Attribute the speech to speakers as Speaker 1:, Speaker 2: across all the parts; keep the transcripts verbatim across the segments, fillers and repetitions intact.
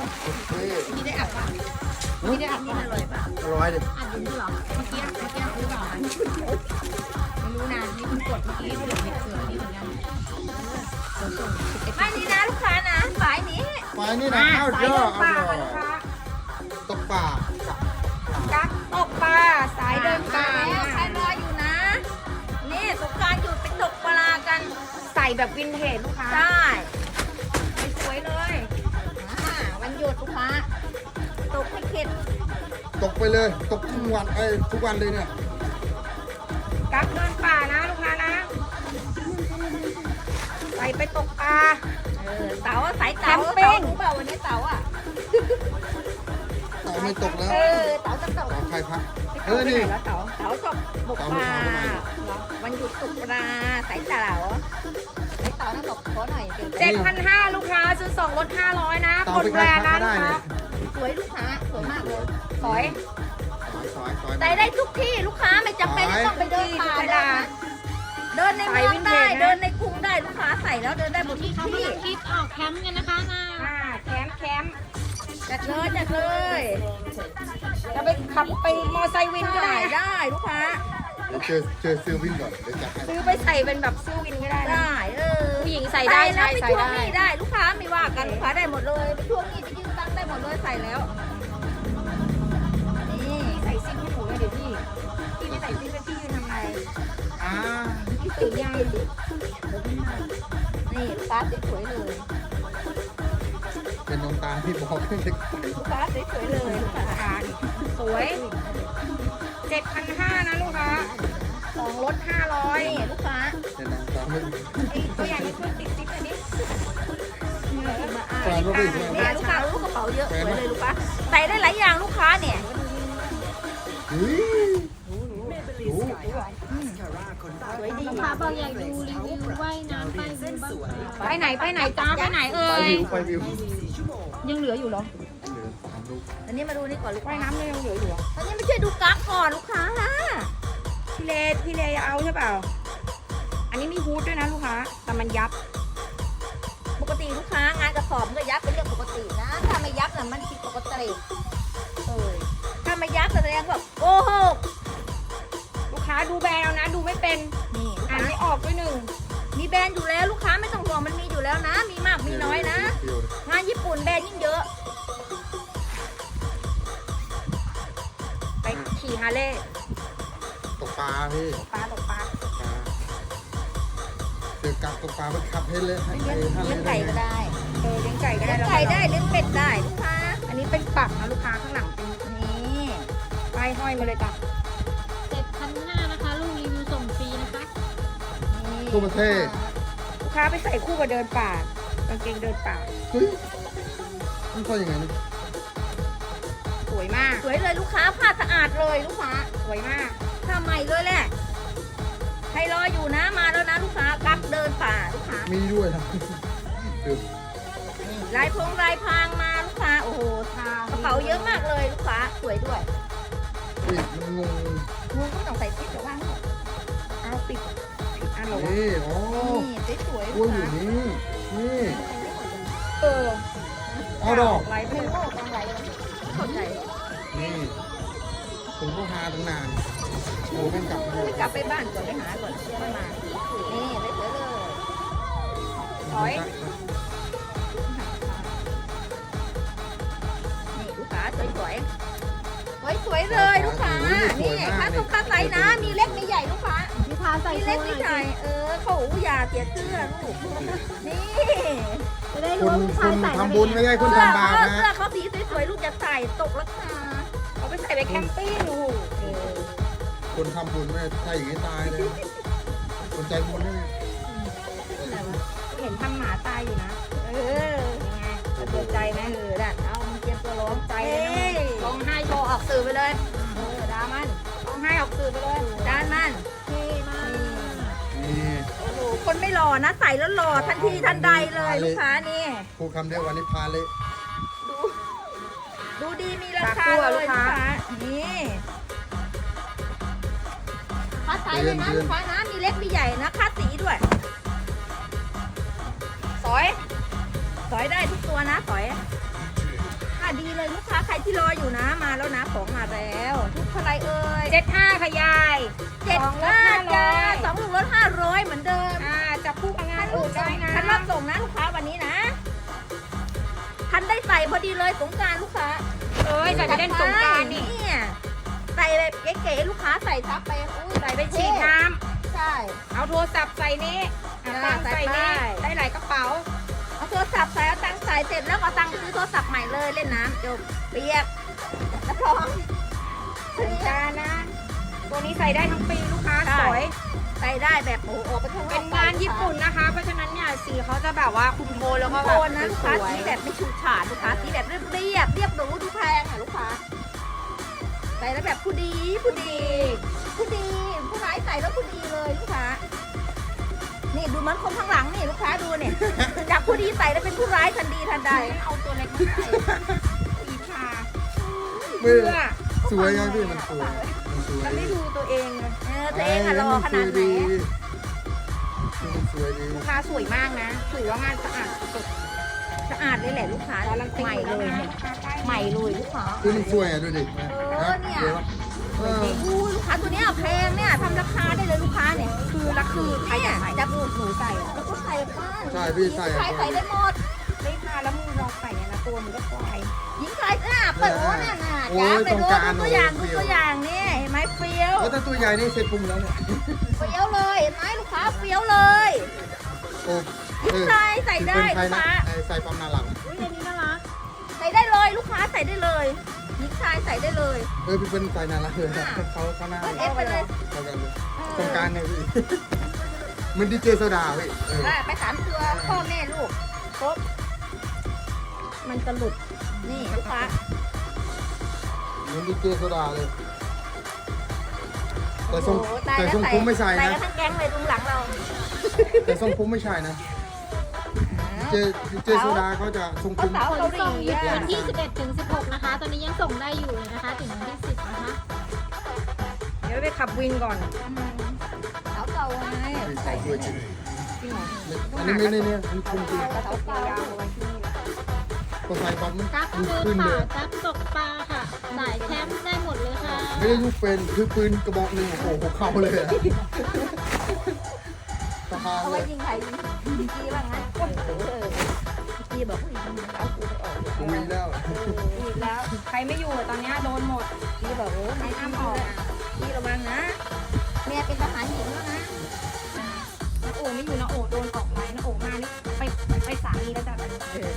Speaker 1: พี่ได้อัดป่ะพี่ได้อัดป่ะอร่อยป่ะ
Speaker 2: อร่อยดิ
Speaker 1: อัดอยู่นี่เหรอเมื่อกี้เมื่อกี้หรือเปล่าไม่รู้นะนี่คุณกดเมื่อกี้เสือเด็กเสือนี่เหมือนกันไม่นี่นะลูกค้านะสายนี้
Speaker 2: ไปนี่นะข้าวเยอะเอาเยอะตกปลา
Speaker 1: กักตกปลาสายเดินป่าแล้วใครรออยู่นะนี่สงกรานต์หยุดไปตกปลากันใส่แบบวินเทจลูกค้าใช่สวยเลยวันหยุดลูกค้าตกให้เข็ด
Speaker 2: ตกไปเลยตกทุกวันไอ้ทุกวันเลยเนี่ย
Speaker 1: กักเดินป่านะลูกค้านะใส่ไปตกปลาเออเต๋าสายเต๋าเต๋ารู้เปล่าวันนี้เต๋าอ่ะ
Speaker 2: เต่าไม่ตกแล้ว
Speaker 1: เออเต๋าจะตก
Speaker 2: เต่าใครพักเอ
Speaker 1: เอ
Speaker 2: อ
Speaker 1: อ
Speaker 2: นี่
Speaker 1: นี่แล้วเต๋าเต๋าตกตกปลาวันหยุดตกปลาสายเต๋าสายเต๋าต้องตกขอหน่อยเจ็ดพันห้าลูกค้าซื้อสองลดห้าร้อยนะ
Speaker 2: เต่าไปใครพักก็ได้เลย
Speaker 1: สวยลูกค้าสวยมากเลยสวย
Speaker 2: ซอยซอยซอย
Speaker 1: ใส่ได้ทุกที่ลูกค้าไม่จำเป็นต้องไปเดินป่าเดินเดินในเมืองได้เดินในกรุงได้ลูกค้าใส่แล้วเดินได้หมดทุกที่
Speaker 3: คิดออกแคมป์กันนะคะนะ
Speaker 1: อ่าแคมป์แคมป์จัดเลยจัดเลยจะไปขับไปมอไซค์วินก็ได้ได้ลูกค้า
Speaker 2: เดี๋ยวเจอเจอซื้อวิ่งก่อนเดี๋ยวจัดให้
Speaker 1: ซื้อไปใส่เป็นแบบซื้อวินก็ได้ได้เออผู้หญิงใส่ได้ใส่ใส่ได้ได้ลูกค้าไม่ว่ากันลูกค้าได้หมดเลยไปช่วงนี้ไปยืมตังค์ได้หมดเลยใส่แล้วนี่ใส่ซิปให้หนูเลยเดี๋ยวพี่พี่ไม่ใส่ซิปแล้วพี่ยืนทำไม
Speaker 2: อ่า
Speaker 1: พี่ตื่นยังนี่ลูกค้าสวยๆเลย
Speaker 2: เป็นดวงตาที่บอกให้เด็ก
Speaker 1: ลูกค้าสวยๆเลยลูกค้าสวยเจ็ดพันห้านะลูกค้าสองลดห้าร้อยลูกค้า
Speaker 2: เป็นดวงตาไม่
Speaker 1: ไอ้ตัวอย่างนี้ช่วยติดซิปอันนี้
Speaker 2: แฟนก็ไม่
Speaker 1: เนี่ยลูกค้าลูกกระเป๋าเยอะสวยเลยลูกค้าใส่ได้หลายอย่างลูกค้าเนี่ย
Speaker 2: เฮ้ยดู
Speaker 1: สวยดี
Speaker 3: ลูกค้าบอกอยากดูรีวิวว่ายน้ำไปดูบ้าง
Speaker 1: ไปไหนไปไหนจ้าไปไหนเอ่
Speaker 2: ไป
Speaker 1: ย
Speaker 2: วิวไปวิว
Speaker 1: ยังเหลืออยู่เหรอ
Speaker 2: เหลือสามลูก
Speaker 1: อันนี้มาดูนี่ก่อนลูกว่ายน้ำยังเหลืออยู่อันนี้ไม่ใช่ดูกั๊กก่อนลูกค้านะพี่เลพี่เลจะเอาใช่เปล่าอันนี้มีฮูดด้วยนะลูกค้าแต่มันยับ ปกติลูกค้างานกระสอบมันก็ยับเป็นเรื่องปกตินะถ้าไม่ยับน่ะมันผิดปกติเออถ้าไม่ยับแสดงว่าโกหกลูกค้าดูแบรนด์เอานะดูไม่เป็นนี่อ่านไม่ออกด้วยหนึ่งมีแบรนด์อยู่แล้วลูกค้าไม่ต้องห่วงมันมีอยู่แล้วนะ มีมากมีน้อยนะงานญี่ปุ่นแบรนด์ยิ่งเยอะไปขี่ฮาร์เลย์
Speaker 2: ตกปลาพี่
Speaker 1: ปลาตกปลา
Speaker 2: ปลาเดี๋ยวกลับตกปลาไปขับให้เลยให้
Speaker 1: เลี้ยง
Speaker 2: ท่าน
Speaker 1: เลี้ยง
Speaker 2: ได้
Speaker 1: ไก่ก็ได้เออเลี้ยงไก่ก็ได้เลี้ยงไก่ได้เลี้ยงเป็ดได้ลูกค้าอันนี้เป็นปักนะลูกค้าข้างหลังเป็นนี่ป้ายห้อยมาเลยจ้ะ
Speaker 3: เจ็ดพันห้านะคะลูกรีวิวส่งฟรีนะคะ
Speaker 2: ทั่วประเทศ
Speaker 1: ลูกค้าไปใส่คู่กับเดินป่ากางเกงเดินป่า
Speaker 2: เฮ้ยมันก็ยังไงนะ
Speaker 1: สวยมากสวยเลยลูกค้าผ้าสะอาดเลยลูกค้าสวยมากผ้าใหม่เลยแหละใครรออยู่นะมาแล้วนะลูกค้ากักเดินป่าลูกค้า
Speaker 2: มีด้วยนะคือ
Speaker 1: นี่ลายพงลายพรางมาลูกค้าโอ้โหกระเป๋าเยอะมากเลยลูกค้าสวยด้วย
Speaker 2: อุ้ยมันงง
Speaker 1: งูก็ต้องใส่ติ๊กเดี๋ยวว่างก่อนเอาปิดผิดอันเหรอวะ
Speaker 2: นี่อ๋อ
Speaker 1: นี่สวยๆ
Speaker 2: กล้
Speaker 1: ลู
Speaker 2: วย
Speaker 1: ก
Speaker 2: อยู่
Speaker 1: ค้า
Speaker 2: นี่นี่
Speaker 1: เออ
Speaker 2: เอาดอก
Speaker 1: ลายเป็นโลกกลางไรเข้าใจ
Speaker 2: นี่ผมก็หาตั้งนานโอ้เป็นกลับมา
Speaker 1: ไม่กลับไปบ้านก่อนไปหาก่อนค่อยมา นี่เลยสวยเลยถอยนี่ลูกค้าสวยสวยสวยสวยๆเลยลูกค้า นี่ค่าตรงค่าไซส์นะ มีเล็กมีใหญ่ลูกค้า
Speaker 3: พี่พาใส่
Speaker 1: มี
Speaker 3: โช
Speaker 1: เล็ก
Speaker 3: ว์ห
Speaker 1: มี
Speaker 3: น่อย
Speaker 1: ใหญ่
Speaker 3: สิ
Speaker 1: เออเขาอย่าเสียเสื้อลูก นี่
Speaker 3: จะได้
Speaker 2: คุ
Speaker 3: รู้
Speaker 2: ณ
Speaker 3: ว่าผู้ชาย
Speaker 2: คุณ
Speaker 3: ใส่
Speaker 2: ทำบุญไม่ได้คุณทำบาป
Speaker 1: เออ
Speaker 2: นะ
Speaker 1: เสื้อเขาสีสวยๆลูกจะใส่ตกราคาเอาไปใส่ไปแคมปิ้งลูกเออ
Speaker 2: คนทำบุญไม่ใช่อย่างนี้ตายเลยคนใจบุญนี่
Speaker 1: เห็นทำหมาตายอยู่นะ เออยังไงสะเทือนใจไหมเออน่ะเอามึงเตรียมตัวร้องใจเลยนะร้องไห้โชว์ออกสื่อไปเลย เออด่ามันร้องไห้ออกสื่อไปเลยด่ามัน
Speaker 3: เท่มาก
Speaker 2: นี่
Speaker 1: โอ้โห คนไม่หล่อนะ ใส่แล้วหล่อทันทีทันใดเลยลูกค้านี่
Speaker 2: พูดคำเดียววันนี้พาเลย
Speaker 1: ดู ดูดีมีราคาเลยลูกค้า นี่ค่าไซส์เลยนะลูกค้านะ มีเล็กมีใหญ่นะค่าสีด้วย สอย สอยได้ทุกตัวนะ สอยอยู่นะมาแล้วนะของมาแล้วทุกเท่าไรเอ่ย
Speaker 3: เจ็ดห้าค่ะยาย
Speaker 1: เจ็ด
Speaker 3: สองลด
Speaker 1: ห้า
Speaker 3: ห้าร้
Speaker 1: จ้า
Speaker 3: อย
Speaker 1: สองลูกลดห้าร้อยเหมือนเดิม
Speaker 3: อ่าจับคู่กับงานอื่นได้นะ
Speaker 1: ทันรับส่งนะลูกค้าวันนี้นะทันได้ใส่พอดีเลยสงกรารลูกค้า
Speaker 3: เอ้ยใส่ไปเล่นสงกรานต์นี่
Speaker 1: เนี่ยใส่แบบเก๋ๆลูกค้าใส่ทับไปอุ้ย
Speaker 3: ใส่ไปฉีดน้
Speaker 1: ใช่
Speaker 3: ำเอาโทรศัพท์ใส่นี่เอา
Speaker 1: อ่า
Speaker 3: ตังค์ใส่นี่
Speaker 1: ใส่ไป
Speaker 3: ได้หลายกระเป๋า
Speaker 1: เอาโทรศัพท์ใส่เอาตังค์ใส่เสร็จแล้วก็เอาตังค์ซื้อโทรศัพท์ใหม่เลยเล่นน้ำจบเปียกรับรอง
Speaker 3: สงกรานต์นะ ตัวนี้ใส่ได้ทั้งปีลูกค้าสวย
Speaker 1: ใส่ได้แบบโอ้โหออกไปข้างนอก
Speaker 3: เป็นงานญี่ปุ่นนะคะ เพราะฉะนั้นเนี่ยสีเขาจะแบบว่าคุมโทนแล้วก็
Speaker 1: โท
Speaker 3: แบบ
Speaker 1: นนะลูก
Speaker 3: ส
Speaker 1: ค้า
Speaker 3: วย
Speaker 1: สีแบบไม่ฉูดฉาดลูกค้าสีแบบเรียบเรียบเรียบหรูดูแพงอ่ะลูกค้าใส่แล้วแบบผู้ดีผู้ดีผู้ดีผู้ร้ายใส่แล้วผู้ดีเลยลูกค้านี่ดูเหมันคนข้างหลังนี่ลูกค้าดูเนี่ยจากผู้ดีใส่แล้วเป็นผู้ร้ายทันดีทันใด
Speaker 3: เอาตัวเล็กมาใส่สีทา
Speaker 2: เมื่
Speaker 3: เพื่
Speaker 2: อ
Speaker 3: อ
Speaker 2: สวยไงพี่มันสวยมันสวย
Speaker 3: มันไม่ดูตัวเองเลย
Speaker 1: เออตัวเองอะรอขนาดไหน
Speaker 2: มันสวยดี
Speaker 3: ลูกค้าสวยมากนะถือว่างานสะอาดสุด
Speaker 1: สะอาดเลยแหละลูกค้า
Speaker 3: การันตี
Speaker 1: ใหม่เลยเนี่ยใหม่เลยลูกค้า
Speaker 2: คือมันสวยอ่ะดูดิ
Speaker 1: เออเนี่ย
Speaker 2: ดี๋วเออ
Speaker 1: อู้ลูกค้าตัวเนี้ยแพงเนี่ยทำราคาได้เลยลูกค้าเนี่ย
Speaker 3: คือละคือใคร
Speaker 1: เนี่ย
Speaker 3: จะใส่
Speaker 1: จับหนูหนูใส่อะแล้วก็ใส่บ้าน
Speaker 2: ใช่พี่ใส่
Speaker 1: ใส่ใส่ได้หมด
Speaker 3: ไม่ทาแล้วมือลองใส่เนี่ยนะตัวมันก็ควาย
Speaker 1: หญิงชายอ่ะเปิดโอ้น่ะน่ะ
Speaker 2: โอ้
Speaker 1: จ้าย ไป
Speaker 2: ตรง
Speaker 1: ดู
Speaker 2: กลาง
Speaker 1: ดูตัวอย่าง
Speaker 2: โอ้
Speaker 1: ดู
Speaker 2: ย
Speaker 1: ตัวอย่างนี่เห็นไหมเฟี้ยว
Speaker 2: แล้วถ้าตัวใหญ่นี่เสร็จปุ่มแล้วเนี่ย
Speaker 1: เฟี้ยวเลยเห็นไหมลูกค้าเฟี้ยวเลย
Speaker 2: โอ้
Speaker 1: หญิงชายใส่ได้
Speaker 2: เป็นใคร
Speaker 1: ลูก
Speaker 2: นะ
Speaker 1: ค้า
Speaker 2: ไอ้ใส่ปั๊มหน้าหลัง
Speaker 3: อุ้ยอันนี้น่ารัก
Speaker 1: ใส่ได้เลยลูกค้าใส่ได้เลยหญิงชายใส่ได้เลย
Speaker 2: เออพี่เป็นใส่หน้าหลังเลย
Speaker 1: อ่า
Speaker 2: เขาเขาหน้า
Speaker 1: เปิดเอฟไปเลย
Speaker 2: เขากันเลยตรงกลางไงพี่เหมันดีเจโซดาพี่เออ
Speaker 1: อ่ะไปสามตัวพ่อแม่ลูกครบมันจะหลุดนี่ลูกค้า
Speaker 2: เหมันดีเจโซดาเลย แต่ทรง
Speaker 1: โอ้โหตาย
Speaker 2: แต่
Speaker 1: แล้ว
Speaker 2: ทรงผมไม่ใช่
Speaker 1: ใส่
Speaker 2: นะ
Speaker 1: กันทั้งแก๊งเลยตรงหลังเรา
Speaker 2: แต่ทรงผมไม่ใช่นะเจเจโซดาเขาจะทรงผ
Speaker 1: เขา
Speaker 2: ม
Speaker 1: สาว
Speaker 3: ข
Speaker 1: เกาน ห
Speaker 3: ส่ง
Speaker 1: ลี
Speaker 3: อยู่
Speaker 1: อ่ะ
Speaker 3: วันที่สิบเอ็ดถึงสิบหกนะคะ ตอนนี้ยังส่งได้อยู่เลยนะคะ ถึงวันที่สิบนะคะ เดี๋ยวไปขับวินก่อน
Speaker 1: สาวเก่าไง
Speaker 2: ใส่สวยจริง
Speaker 3: จริงเหรอ
Speaker 2: อันนี้ไม่ได้เนี่ยมันคงจริง
Speaker 3: กระเป๋ายาวๆเอาไว้ที่นี่แหละ
Speaker 2: พอใส่ปั๊บมัน
Speaker 3: กั๊ก
Speaker 2: ดู
Speaker 3: เดิน
Speaker 2: ขึ้น
Speaker 3: ป่า
Speaker 2: เลย
Speaker 3: กั๊กตกปลาค่ะ สายแคมป์ได้หมดเลยค่ะ
Speaker 2: ไม่ได้ลูกเป็นคือปืนกระบอกหนึ่งโอ้โหหัวเข่าเลยอะสะพาน
Speaker 1: เอา
Speaker 2: เล
Speaker 1: ไว้
Speaker 2: ย
Speaker 1: ยิงใครยิงกี้บ้างงั้นเออกี้บอกว่ายิงเอากูไปออก
Speaker 2: กูมีแล้ว
Speaker 3: อีกแล้ว ใครไม่อยู่ตอนนี้โดนหมด
Speaker 1: กี้บอกโอ้ไม่ห้ามออกกี้ระวังนะเมียเป็นทหารหญิงแล้วนะ
Speaker 3: นะโอไม่อยู่นะโอโดนออกไลน์นะโอมานี่ไปไปสามีแล้วจ้ะ
Speaker 1: เออ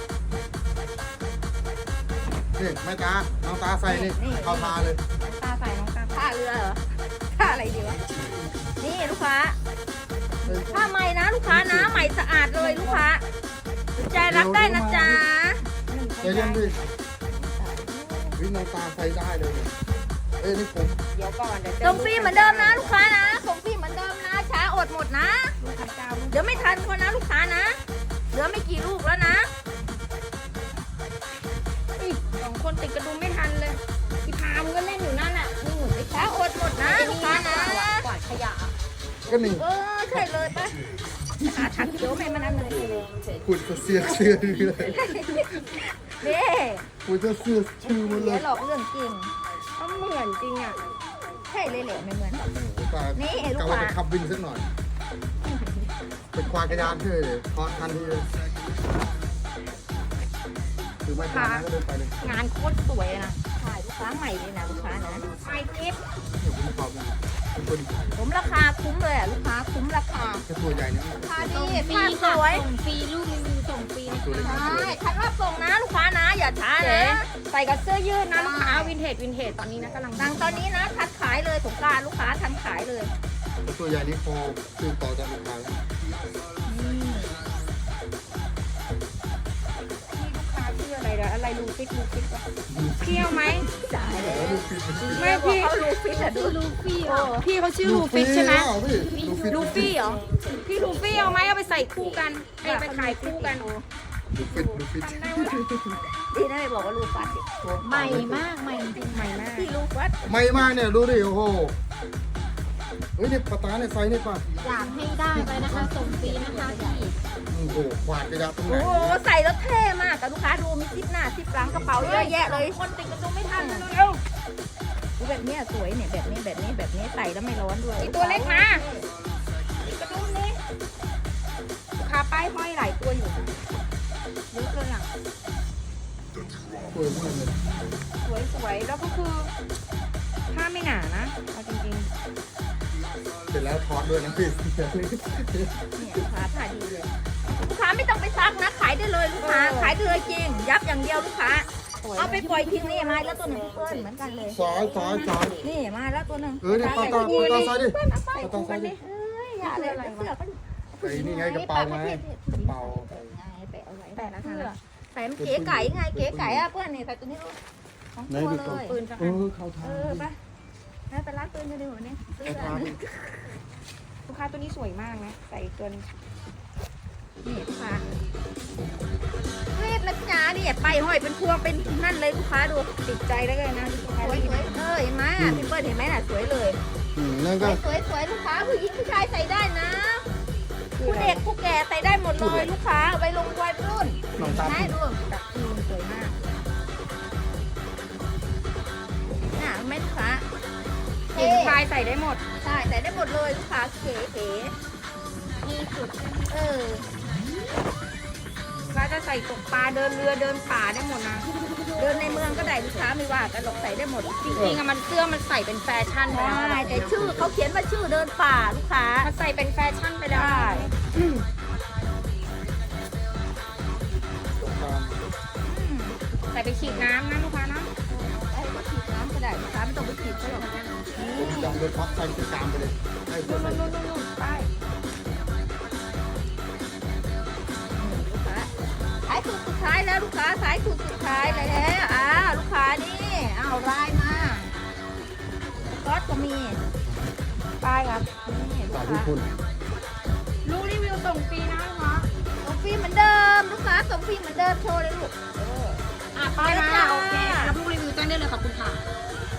Speaker 2: นี่แม่ตาน้องตาใส่นี่เข้าทาเลย
Speaker 3: ตาใส่น้องตา
Speaker 1: ท่าเรือเหรอท่าอะไรดีวะนี่ลูกค้าผ้าใหม่นะลูกค้านะใหม่สะอาดเลยลูกค้าสนใจรับได้นะจ๊ะ
Speaker 2: ใจเย็นดิวิน้องตาใส่ได้เลยเนี่ยเอ้ยนี่ผม
Speaker 3: เดี๋ยวก่อนเดี๋ยว
Speaker 1: ส่งฟรีเหมือนเดิมนะลูกค้านะส่งฟรีเหมือนเดิมนะช้าอดหมดนะ
Speaker 3: ลูกค้าเจ้าลูก
Speaker 1: เดี๋ยวไม่ทันคนนะลูกค้านะ เหลือไม่กี่ลูกแล้วนะ
Speaker 3: อุ๊ยสองคนติดกระดุมไม่ทันเลยอีพามก็เล่นอยู่นั่นน่ะนี่หนูไป
Speaker 1: ช้าอดหมดนะลูกค้านะ
Speaker 3: กวาดขยะ
Speaker 2: ก็นี่
Speaker 1: เออใช่เลยปะหาถังเขียวให้มันนั่นเลย
Speaker 2: ขุดเสียเสื้อดีเลย
Speaker 1: เด้
Speaker 2: ขุดจะเสื้อชื่อหมันเล
Speaker 1: เสีย
Speaker 2: ย
Speaker 1: หลอกเรื่องจริง
Speaker 3: ก็เหมือนจริงอ่ะ
Speaker 1: ใช่เลยแหละไม่เหมือน
Speaker 2: ตา
Speaker 1: นี่ลู
Speaker 2: กะ
Speaker 1: ก
Speaker 2: ว่า
Speaker 1: ค้า
Speaker 2: จะขับวินสักหน่อยเป็นควายกระยานเท่เลยพอทันทีเลยถือไม้ตาก็เดินไปเลย
Speaker 3: งานโคตรสวยเลยนะ
Speaker 1: ถ่ายลูกค้าใหม่เลยนะลูกค้านะ
Speaker 3: ไอจิ๊บ
Speaker 2: เดี๋ยวผมขอบคุณเป็นคน
Speaker 1: ผมราคาคุ้มเลยอ่ะลูกค้าคุ้มราคา
Speaker 2: แค่ตัวใหญ่เนี่ย
Speaker 1: ราคา
Speaker 3: ส่
Speaker 1: ดี
Speaker 3: งฟรี
Speaker 1: ผ้าส
Speaker 3: ค่ะ
Speaker 1: วย
Speaker 3: ส่งฟรีลูกรีวิวส่งฟรีนะ
Speaker 2: ตัวเล็ก
Speaker 3: คะ
Speaker 2: ตัว
Speaker 1: ใช่
Speaker 2: เล็ก
Speaker 1: คันรับส่งนะลูกค้านะ อย่าช้า
Speaker 3: เจ๊
Speaker 1: นะ
Speaker 3: ใส่กับเสื้อยืดนะลูกค้าวินเทจวินเทจตอนนี้นะกำลัง
Speaker 1: ดังตอนนี้นะทันขายเลยสงกรารลูกค้าทันขายเลย
Speaker 2: แต่ตัวใหญ่นี่พอซื้อต่อจากลูกค้าแล้ว
Speaker 3: นี่ลูกค้าชื่ออะไรเดี๋ยวอะไรลูฟิตลูฟิตวะเที่ยวไหม
Speaker 1: จ่ายเลย
Speaker 2: ลูกฟิต
Speaker 3: ไม่พี่
Speaker 1: เขาลูฟิตอะดู
Speaker 3: ลูฟี่
Speaker 1: โอ้
Speaker 3: พี่เขาชื่อลูฟิตใช่ไหม
Speaker 2: ลูฟิต
Speaker 3: ลูฟี่เหรอพี่ลูฟี่เอาไหมเอาไปใส่คู่กันไอ้ไปขายคู่กัน
Speaker 2: ลูฟิตลูฟิต
Speaker 3: จำได้ว่า
Speaker 1: ดีนะไม่บอกว่าลูฟัด
Speaker 3: ใหม่มากใหม่จริงใหม่มาก
Speaker 1: ที่ลูฟัด
Speaker 2: ไม่มากเนี่ยดูดิโอ้โหเฮ้ยเนี่ยปลาตาเนี่ยไซส์เนี่ยป่ะ
Speaker 3: อยากให้ได้ไปนะคะส่งฟรีนะคะที่
Speaker 2: โอ้โหขวาดกระยาตรงไหน
Speaker 1: โอ้โหใส่แล้วเท่มากกับลูกค้าดูมีซิปหน้าซิปหลังกระเป๋าเยอะแยะเลยคนติดกระดุมไม่ทันเลยเร็วดูแบบเนี้ยสวยเนี่ยแบบนี้แบบนี้แบบนี้ใส่แล้วไม่ร้อนด้วยตัวเล็กมาติดกระดุมนี่ลูกค้าป้ายห้อยหลายตัวอยู่เยอะเลยอ่ะ
Speaker 2: สวยมากเลย
Speaker 1: สวยสวยแล้วก็คือผ้าไม่หนานะเอาจริง
Speaker 2: เสร็จแล้วทอดด้วยนะพี่
Speaker 1: ๆเนี่ยลูกค้าผ่าดีเลยลูกค้าไม่ต้องไปซักนะขายได้เลยลูกค้าขายได้เลยจริงยับอย่างเดียวลูกค้าเอาไปปล่อยทิ้งนี่มาแล้วตัวหนึ่งเปิ้ลเหมือนกันเลย
Speaker 2: ซอยซอยซอย
Speaker 1: นี่มาแล้วตัวหนึ่ง
Speaker 2: เออเนี่ยปลาตาปลาตาซอยดิ
Speaker 1: เปิ้ลเอาไป
Speaker 2: ปลาตา
Speaker 1: คู่
Speaker 2: ซ
Speaker 1: กั
Speaker 2: อย
Speaker 1: น
Speaker 2: ดิ
Speaker 1: ดิเอ้ยอย่าเลยเสื้อก็
Speaker 2: ไอ้นี่ไงกระเป๋าไงกระเป๋า
Speaker 1: ไงไปเอาไว้แต่ละเสื้อใส่มันเก๋ไก่ไงเก๋ไก่อะเพื่อนนี่ใส่ตัวนี้ลูกของ
Speaker 2: ไหน
Speaker 1: ตัว
Speaker 2: ดู
Speaker 1: เลย
Speaker 2: ก่อน
Speaker 1: ปืนจะ
Speaker 2: เออเข้าทา
Speaker 1: เอง อไปแล้วไปร้านปืนกันดีกว่านี้ซื้อ
Speaker 2: ไอ้
Speaker 1: อั
Speaker 2: ทาน ง
Speaker 1: นี้ลูกค้าตัวนี้สวยมากนะใส่อีกตัวนึงนี่ลูกค้าเวทนะจ๊ะนี่ไปห้อยเป็นพวงเป็นนั่นเลยลูกค้าดูติดใจได้เลยนะสวยสวยเออเห็นไหมอ่ะพี่เปิ้ลเห็นไหมน่ะสวยเลย
Speaker 2: อืมนั่น
Speaker 1: ส
Speaker 2: ก็
Speaker 1: วยสวยสวยลูกค้าผู้หญิงผู้ชายใส่ได้นะผู้เด็กผู้แก่ใส่ได้หมดเลยลูกค้าไปลงวัยรุ่น
Speaker 2: น้องตา
Speaker 1: ได้ดูจับคืนสวยมากน่ะแม่ลูกค้า
Speaker 3: ผู้หญิงชายใส่ได้หมด
Speaker 1: ใช่ใส่ได้หมดเลยลูกค้าเก๋เก๋
Speaker 3: มีจุด
Speaker 1: เออ
Speaker 3: ก็จะใส่ตกปลาเดินเรือเดินป่าได้หมดนะ
Speaker 1: เดินในเมืองก็ได้ลูกค้าไม่ว่ากันหรอกใส่ได้หมด
Speaker 3: จริงๆอะมันเสื้อมันใส่เป็นแฟชั่นไป
Speaker 1: ใช่
Speaker 3: แล้ว
Speaker 1: แต่ชื่อเขาเขียนว่าชื่อเดินป่าลูกค้า
Speaker 3: มันใส่เป็นแฟชั่นไปแล้ว
Speaker 1: ได้
Speaker 2: ตรงกลาง
Speaker 1: อืม
Speaker 3: ใส่ไปฉีดน้ำนะลูกค้านะ
Speaker 1: ไอ้ก็ฉีดน้ำก็ได้ลูกค้าไม่ต้องไปฉีดเขาหรอกนี่
Speaker 2: ผมจำรถพักใส่ตรงกลางไปเลยให้เพื่
Speaker 1: นู่
Speaker 2: อน
Speaker 1: น
Speaker 2: ใส่
Speaker 1: นู่นนู่นนู่นไปลูกค้าสายสุดสุดท้ายแล้วลูกค้าสายสุดสุดท้ายแล้วอ่าลูกค้านี่เอาลายมาซอสก็มีป้ายครับนี่ลู
Speaker 2: สาก ธุ
Speaker 1: ค้า
Speaker 2: คุณ
Speaker 3: ลูกรีวิวส่งฟรีนะลูกค้า
Speaker 1: ส่งฟรีเหมือนเดิมลูกค้าส่งฟรีเหมือนเดิมโชว์เลยลูกเออ
Speaker 3: อ่ะไป
Speaker 1: ไปแล้ว
Speaker 3: มา
Speaker 1: จ้า
Speaker 3: โอเคแล้วลูกรีวิวแจ้งได้เลยขอบคุณค่ะ